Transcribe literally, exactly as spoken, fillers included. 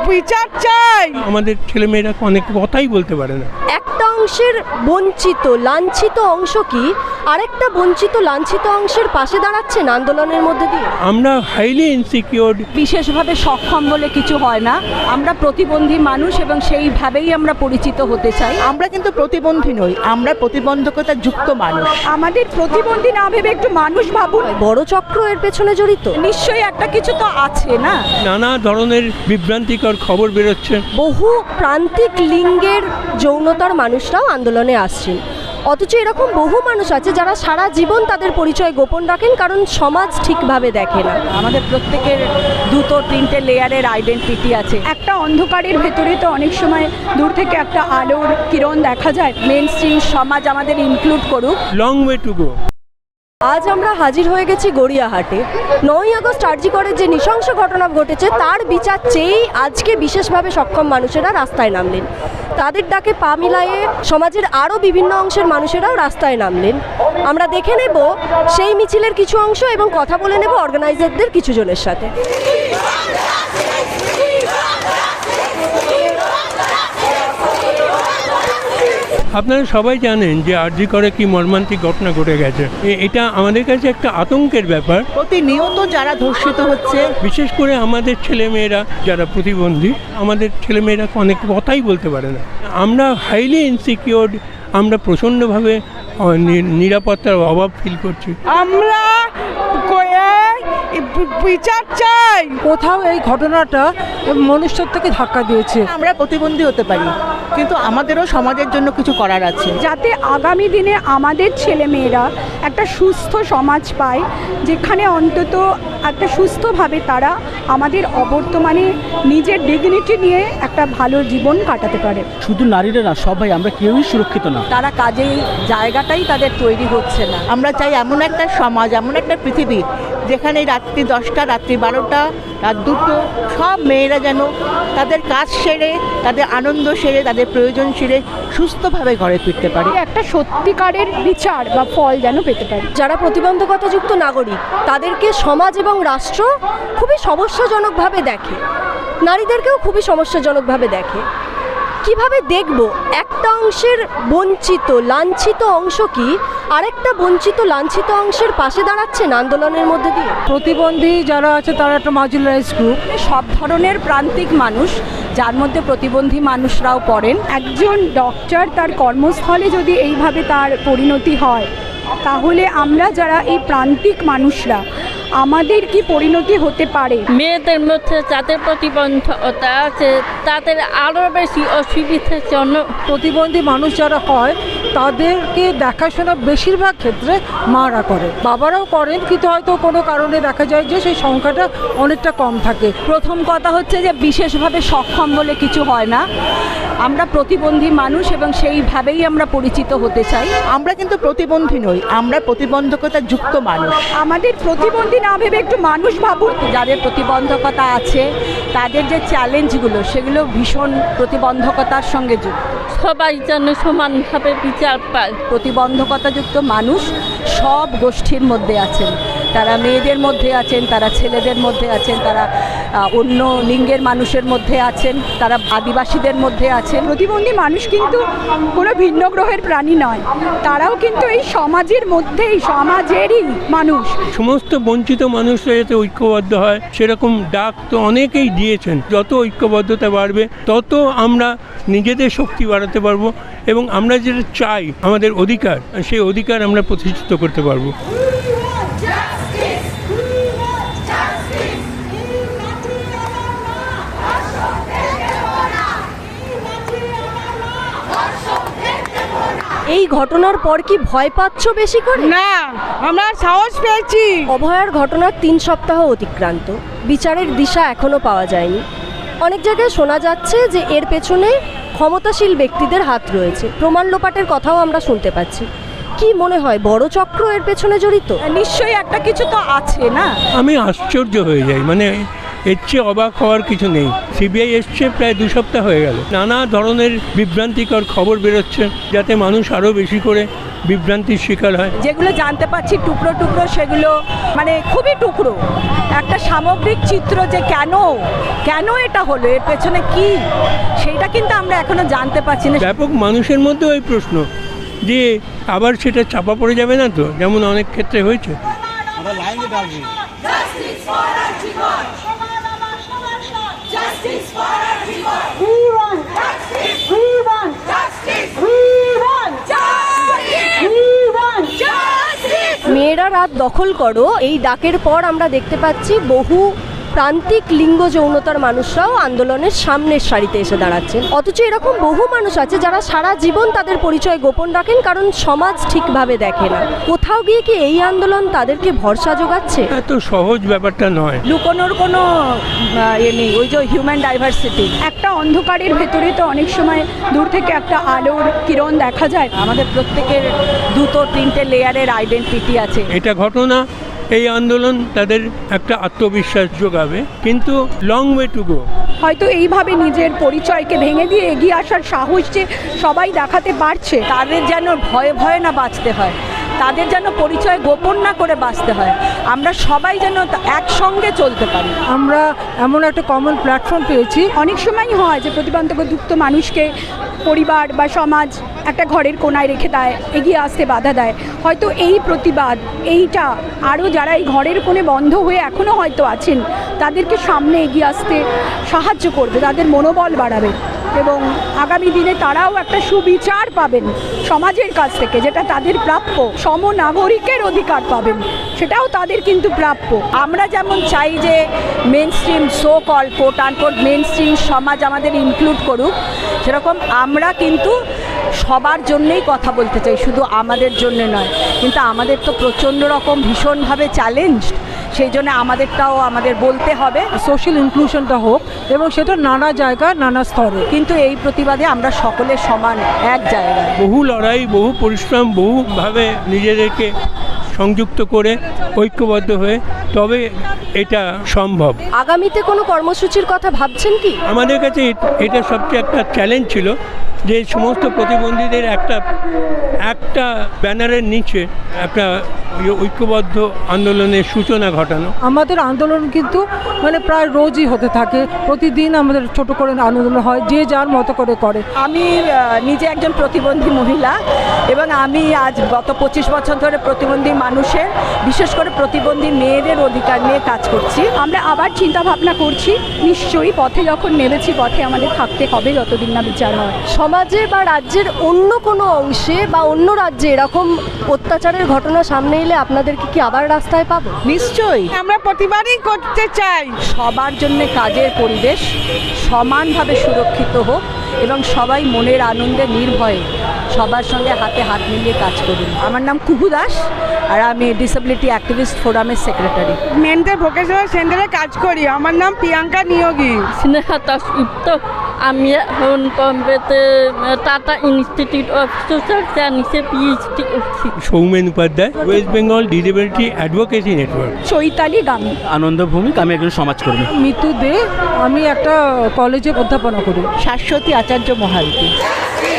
বিচার চাই। আমাদের ছেলেমেয়েরা অনেক কথাই বলতে পারে না। একটা অংশের বঞ্চিত লাঞ্ছিত অংশ কি আরেকটা বঞ্চিত লাঞ্ছিত অংশের পাশে দাঁড়াচ্ছেন আন্দোলনের মধ্যে দিয়ে? আমরা হাইলি ইনসিকিউর। বিশেষভাবে সক্ষম বলে কিছু হয় না, আমরা প্রতিবন্ধী মানুষ এবং সেইভাবেই আমরা পরিচিত হতে চাই। আমরা কিন্তু প্রতিবন্ধী নই, আমরা প্রতিবন্ধকতা যুক্ত মানুষ। আমাদের প্রতিবন্ধী না ভেবে একটু মানুষ ভাবুন। বড় চক্র এর পেছনে জড়িত? নিশ্চয়ই একটা কিছু তো আছে না। নানা ধরনের বিভ্রান্তিকর খবর বেরোচ্ছে। বহু প্রান্তিক লিঙ্গের যৌনতার মানুষরাও আন্দোলনে আসছেন, অথচ এরকম বহু মানুষ আছে যারা সারা জীবন তাদের পরিচয় গোপন রাখেন কারণ সমাজ ঠিকভাবে দেখে না। আমাদের প্রত্যেকের দুটো তিনটে লেয়ারের আইডেন্টিটি আছে। একটা অন্ধকারের ভেতরে তো অনেক সময় দূর থেকে একটা আলোর কিরণ দেখা যায়। মেন স্ট্রিম সমাজ আমাদের ইনক্লুড করুক। Long way to go. আজ আমরা হাজির হয়ে গেছি গড়িয়াহাটে। নয়ই আগস্ট আরজি করের যে নৃশংস ঘটনা ঘটেছে তার বিচার চেয়েই আজকে বিশেষভাবে সক্ষম মানুষেরা রাস্তায় নামলেন। তাদের ডাকে পা মিলায়ে সমাজের আরও বিভিন্ন অংশের মানুষেরাও রাস্তায় নামলেন। আমরা দেখে নেব সেই মিছিলের কিছু অংশ এবং কথা বলে নেব অর্গানাইজারদের কিছু জনের সাথে। আপনারা সবাই জানেন যে আরজি করে কি মর্মান্তিক ঘটনা ঘটে গেছে। এটা আমাদের কাছে একটা আতঙ্কের ব্যাপার। প্রতিনিয়ত যারা ধর্ষিত হচ্ছে, বিশেষ করে আমাদের ছেলেমেয়েরা যারা প্রতিবন্ধী, আমাদের ছেলেমেয়েরা অনেক কথাই বলতে পারে না। আমরা হাইলি ইনসিকিউর, আমরা প্রচণ্ডভাবে নিরাপত্তার অভাব ফিল করছি। আমরা বিচার চাই। কোথাও এই ঘটনাটা মনুষ্যত্বকে ধাক্কা দিয়েছে। আমরা প্রতিবন্ধী হতে পারি, কিন্তু আমাদেরও সমাজের জন্য কিছু করার আছে, যাতে আগামী দিনে আমাদের ছেলেমেয়েরা একটা সুস্থ সমাজ পায়, যেখানে অন্তত একটা সুস্থভাবে তারা আমাদের অবর্তমানে নিজের ডিগনিটি নিয়ে একটা ভালো জীবন কাটাতে পারে। শুধু নারীরা না, সবাই আমরা কেউই সুরক্ষিত না। তারা কাজেই জায়গাটাই তাদের তৈরি হচ্ছে না। আমরা চাই এমন একটা সমাজ, এমন একটা পৃথিবী যেখানে রাত্রি দশটা, রাত্রি বারোটা, রাত দুটো সব মেয়েরা যেন তাদের কাজ সেরে, তাদের আনন্দ সেরে, তাদের প্রয়োজন সেরে সুস্থভাবে ঘরে ফিরতে পারে। একটা সত্যিকারের বিচার বা ফল যেন পেতে পারে। যারা প্রতিবন্ধকতাযুক্ত নাগরিক তাদেরকে সমাজ এবং রাষ্ট্র খুবই সমস্যাজনকভাবে দেখে, নারীদেরকেও খুবই সমস্যাজনকভাবে দেখে। কিভাবে দেখব একটা অংশের বঞ্চিত লাঞ্ছিত অংশ কি আরেকটা বঞ্চিত লাঞ্ছিত অংশের পাশে দাঁড়াচ্ছেন আন্দোলনের মধ্যে দিয়ে? প্রতিবন্ধী যারা আছে তারা একটা মার্জিনালাইজ গ্রুপ। সব ধরনের প্রান্তিক মানুষ, যার মধ্যে প্রতিবন্ধী মানুষরাও পড়েন। একজন ডক্টর তার কর্মস্থলে যদি এইভাবে তার পরিণতি হয়, তাহলে আমরা যারা এই প্রান্তিক মানুষরা আমাদের কি পরিণতি হতে পারে? মেয়েদের মধ্যে যাদের প্রতিবন্ধকতা আছে তাদের আরও বেশি অসুবিধার জন্য। প্রতিবন্ধী মানুষ যারা হয় তাদেরকে দেখাশোনা বেশিরভাগ ক্ষেত্রে মারা করে, বাবারাও করেন, কিন্তু হয়তো কোনো কারণে দেখা যায় যে সেই সংখ্যাটা অনেকটা কম থাকে। প্রথম কথা হচ্ছে যে বিশেষভাবে সক্ষম বলে কিছু হয় না, আমরা প্রতিবন্ধী মানুষ এবং সেইভাবেই আমরা পরিচিত হতে চাই। আমরা কিন্তু প্রতিবন্ধী নই, আমরা প্রতিবন্ধকতা যুক্ত মানুষ। আমাদের প্রতিবন্ধী না ভেবে একটু মানুষ ভাবুন। যাদের প্রতিবন্ধকতা আছে তাদের যে চ্যালেঞ্জগুলো সেগুলো ভীষণ প্রতিবন্ধকতার সঙ্গে যুক্ত। সবাই যেন সমানভাবে বিচার পায়। প্রতিবন্ধকতাযুক্ত মানুষ সব গোষ্ঠীর মধ্যে আছেন, তারা মেয়েদের মধ্যে আছেন, তারা ছেলেদের মধ্যে আছেন, তারা অন্য লিঙ্গের মানুষের মধ্যে আছেন, তারা আদিবাসীদের মধ্যে আছেন। প্রতিবন্ধী মানুষ কিন্তু কোনো ভিন্ন গ্রহের প্রাণী নয়, তারাও কিন্তু এই সমাজের মধ্যেই, সমাজেরই মানুষ। সমস্ত বঞ্চিত মানুষরা যাতে ঐক্যবদ্ধ হয় সেরকম ডাক তো অনেকেই দিয়েছেন। যত ঐক্যবদ্ধতা বাড়বে তত আমরা নিজেদের শক্তি বাড়াতে পারবো এবং আমরা যেটা চাই আমাদের অধিকার, সেই অধিকার আমরা প্রতিষ্ঠিত করতে পারবো। এই ঘটনার পর কি ভয় পাচ্ছ বেশি করে? না, আমরা সাহস পেয়েছি। অভয়ার ঘটনার তিন সপ্তাহ অতিক্রান্ত, বিচারের দিশা এখনো পাওয়া যায়নি। অনেক জায়গায় শোনা যাচ্ছে যে এর পেছনে ক্ষমতাশীল ব্যক্তিদের হাত রয়েছে, প্রমাণ লোপাটের কথাও আমরা শুনতে পাচ্ছি। কি মনে হয় বড় চক্র এর পেছনে জড়িত? নিশ্চয়ই একটা কিছু তো আছে না। আমি আশ্চর্য হয়ে যাই, মানে এর চেয়ে অবাক হওয়ার কিছু নেই। সিবিআই এসছে প্রায় দু সপ্তাহ হয়ে গেল, নানা ধরনের বিভ্রান্তিকর খবর বেরোচ্ছে যাতে মানুষ আরও বেশি করে বিভ্রান্তির শিকার হয়। যেগুলো জানতে পারছি টুকরো টুকরো, সেগুলো মানে খুবই টুকরো। একটা সামগ্রিক চিত্র যে কেন কেন এটা হলো, এর পেছনে কি, সেইটা কিন্তু আমরা এখনো জানতে পারছি না। ব্যাপক মানুষের মধ্যেও এই প্রশ্ন যে আবার সেটা চাপা পড়ে যাবে না তো, যেমন অনেক ক্ষেত্রে হয়েছে। মেয়েরা রাত দখল করো, এই ডাকের পর আমরা দেখতে পাচ্ছি বহু প্রান্তিক লিঙ্গ যৌনতার মানুষরাও আন্দোলনের সামনের সারিতে এসে দাঁড়াচ্ছেন। অথচ এরকম বহু মানুষ আছে যারা সারা জীবন তাদের পরিচয় গোপন রাখেন, কারণ সমাজ ঠিকভাবে দেখে না। কোথাও গিয়ে কি এই আন্দোলন তাদেরকে ভরসা যোগাচ্ছে? এত সহজ ব্যাপারটা নয়। লুকোনোর কোনো আহ, এ নেই। ওই যে হিউম্যান ডাইভার্সিটি, একটা অন্ধকারের ভেতরে তো অনেক সময় দূর থেকে একটা আলোর কিরণ দেখা যায়। আমাদের প্রত্যেকের দুটো তিনটে লেয়ারের আইডেন্টিটি আছে। এটা ঘটনা, এই আন্দোলন তাদের একটা আত্মবিশ্বাস যোগাবে, কিন্তু লং ওয়ে টু গো। হয়তো এইভাবে নিজের পরিচয়কে ভেঙে দিয়ে এগিয়ে আসার সাহস যে সবাই দেখাতে পারছে, তাদের যেন ভয়ে ভয়ে না বাঁচতে হয়, তাদের যেন পরিচয় গোপন না করে বাঁচতে হয়, আমরা সবাই যেন একসঙ্গে চলতে পারি। আমরা এমন একটা কমন প্ল্যাটফর্ম পেয়েছি। অনেক সময় হয় যে প্রতিবন্ধকযুক্ত মানুষকে পরিবার বা সমাজ একটা ঘরের কোনায় রেখে দেয়, এগিয়ে আসতে বাধা দেয়। হয়তো এই প্রতিবাদ, এইটা আরও যারা এই ঘরের কোণে বন্ধ হয়ে এখনও হয়তো আছেন, তাদেরকে সামনে এগিয়ে আসতে সাহায্য করবে, তাদের মনোবল বাড়াবে এবং আগামী দিনে তারাও একটা সুবিচার পাবেন সমাজের কাছ থেকে, যেটা তাদের প্রাপ্য। সমনাগরিকের অধিকার পাবেন, সেটাও তাদের কিন্তু প্রাপ্য। আমরা যেমন চাই যে mainstream so call quote unquote mainstream সমাজ আমাদের ইনক্লুড করুক, সেরকম আমরা কিন্তু সবার জন্যেই কথা বলতে চাই, শুধু আমাদের জন্য নয়। কিন্তু আমাদের তো প্রচণ্ড রকম ভীষণভাবে চ্যালেঞ্জড, সেই জন্য আমাদেরটাও আমাদের বলতে হবে। সোশ্যাল ইনক্লুশনটা হোক এবং সেটা নানা জায়গায় নানা স্তরে। কিন্তু এই প্রতিবাদে আমরা সকলে সমান, এক জায়গায়। বহু লড়াই, বহু পরিশ্রম, বহুভাবে নিজেদেরকে সংযুক্ত করে ঐক্যবদ্ধ হয়ে তবে এটা সম্ভব। আগামীতে কোনো কর্মসূচির কথা ভাবছেন কি? আমাদের কাছে এটা সবচেয়ে একটা চ্যালেঞ্জ ছিল যে সমস্ত প্রতিবন্ধীদের একটা একটা ব্যানারের নিচে একটা ঐক্যবদ্ধ আন্দোলনের সূচনা ঘটানো। আমাদের আন্দোলন কিন্তু মানে প্রায় রোজই হতে থাকে, প্রতিদিন আমাদের ছোট করে আন্দোলন হয়, যে যার মতো করে করে। আমি আহ, নিজে একজন প্রতিবন্ধী মহিলা এবং আমি আজ গত পঁচিশ বছর ধরে প্রতিবন্ধী মানুষের, বিশেষ করে প্রতিবন্ধী মেয়েদের অধিকার নিয়ে কাজ করছি। আমরা আবার চিন্তা ভাবনা করছি, নিশ্চয়ই পথে যখন নেমেছি পথে আমাদের থাকতে হবে যতদিন না বিচার হয়। সমাজে বা রাজ্যের অন্য কোনো অংশে বা অন্য রাজ্যে এরকম অত্যাচারের ঘটনা সামনে এলে আপনাদেরকে কি আবার রাস্তায় পাবো? নিশ্চয়ই আমরা প্রতিবারই করতে চাই। সবার জন্য কাজের পরিবেশ সমানভাবে সুরক্ষিত হোক এবং সবাই মনের আনন্দে নির্ভয়ে সবার সঙ্গে হাতে হাত মিলিয়ে কাজ করুন। আমার নাম কুহু দাস আর আমি ডিসেবিলিটি অ্যাক্টিভিস্ট ফোরামের সেক্রেটারি। মেন্টাল ভোকেশনাল সেন্টারে কাজ করি। আমার নাম প্রিয়াঙ্কা নিয়োগী। স্নেহা দাস গুপ্ত, আমি এখন বম্বেতে টাটা ইনস্টিটিউট অফ সোশ্যাল সায়েন্সে পিএইচডি করছি। Soumen Upadhyay, West Bengal disability advocacy network. Chaitali Gami. Ananda Bhowmik, আমি একজন সমাজকর্মী। মিতু দে, আমি একটা কলেজে অধ্যাপনা করি। শাশ্বতী আচার্য মহারতী।